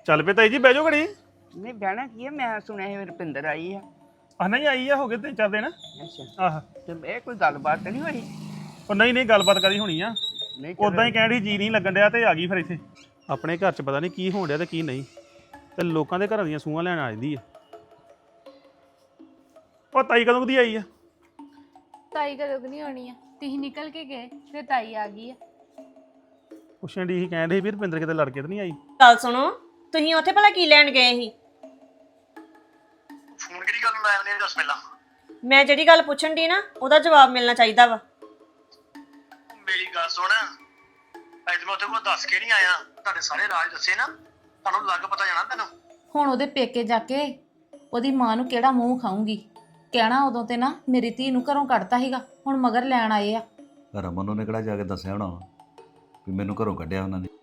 ਚੱਲ ਪਏ ਤਾਈ ਜੀ ਬਹਿ ਜਾਓ ਘੜੀ। ਨਹੀਂ ਬਹਿਣਾ ਕੀ ਹੈ, ਮੈਂ ਸੁਣਿਆ ਸੀ ਰੁਪਿੰਦਰ ਆਈ ਆ। ਨਹੀਂ ਆਈ ਆ, ਹੋ ਗਏ 3-4 ਦਿਨ। ਅੱਛਾ, ਆਹ ਤੇ ਇਹ ਕੋਈ ਗੱਲਬਾਤ ਤਾਂ ਨਹੀਂ ਹੋਈ? ਉਹ ਨਹੀਂ ਗੱਲਬਾਤ ਕਰੀ ਹੋਣੀ ਆ। ਨਹੀਂ ਉਦਾਂ ਹੀ ਕਹਿਣ ਡਈ ਜੀ ਨਹੀਂ ਲੱਗਣ ਡਿਆ ਤੇ ਆ ਗਈ ਫਿਰ ਇੱਥੇ। ਆਪਣੇ ਘਰ 'ਚ ਪਤਾ ਨਹੀਂ ਕੀ ਹੋਣ ਡਿਆ ਤੇ ਕੀ ਨਹੀਂ, ਤੇ ਲੋਕਾਂ ਦੇ ਘਰਾਂ ਦੀਆਂ ਸੂਆਂ ਲੈਣ ਆ ਜਾਂਦੀ ਆ। ਉਹ ਤਾਈ ਕਦੋਂ ਦੀ ਆਈ ਆ? ਤਾਈ ਕਦੋਂ ਨਹੀਂ ਆਉਣੀ ਆ, ਤੁਸੀਂ ਨਿਕਲ ਕੇ ਗਏ ਫਿਰ ਤਾਈ ਆ ਗਈ ਆ। ਪੁੱਛਣ ਡਈ ਸੀ, ਕਹਿਣ ਡਈ ਵੀ ਰੁਪਿੰਦਰ ਕਿਤੇ ਲੜ ਕੇ ਤਾਂ ਨਹੀਂ ਆਈ? ਗੱਲ ਸੁਣੋ, ਤੁਸੀਂ ਉੱਥੇ ਭਲਾ ਕੀ ਲੈਣ ਗਏ ਸੀ? ਫੋਨ ਕਿਹੜੀ ਗੱਲ ਨੂੰ ਲਾਇਆ ਨੇ ਦੱਸ ਪਹਿਲਾਂ। ਮੈਂ ਜਿਹੜੀ ਗੱਲ ਪੁੱਛਣ ਦੀ ਨਾ ਉਹਦਾ ਜਵਾਬ ਮਿਲਣਾ ਚਾਹੀਦਾ ਵਾ। ਮੇਰੀ ਗੱਲ ਸੁਣ, ਅੱਜ ਮੈਂ ਉੱਥੇ ਕੋਲ ਦੱਸ ਕੇ ਨਹੀਂ ਆਇਆ, ਤੁਹਾਡੇ ਸਾਰੇ ਰਾਜ ਦੱਸੇ ਨਾ, ਤੁਹਾਨੂੰ ਲੱਗ ਪਤਾ ਜਾਣਾ ਤੈਨੂੰ। ਹੁਣ ਉਹਦੇ ਪੇਕੇ ਜਾ ਕੇ ਉਹਦੀ ਮਾਂ ਨੂੰ ਕਿਹੜਾ ਮੂੰਹ ਖਾਊਂਗੀ? ਕਹਿਣਾ ਉਦੋਂ ਤੇ ਨਾ ਮੇਰੀ ਧੀ ਨੂੰ ਘਰੋਂ ਕੱਢਤਾ ਸੀਗਾ, ਹੁਣ ਮਗਰ ਲੈਣ ਆਏ ਆ। ਰਮਨ ਉਹਨੇ ਕਿਹੜਾ ਜਾ ਕੇ ਦੱਸਿਆ ਹੋਣਾ ਵਾ ਵੀ ਮੈਨੂੰ ਘਰੋਂ ਕੱਢਿਆ ਉਹਨਾਂ ਨੇ।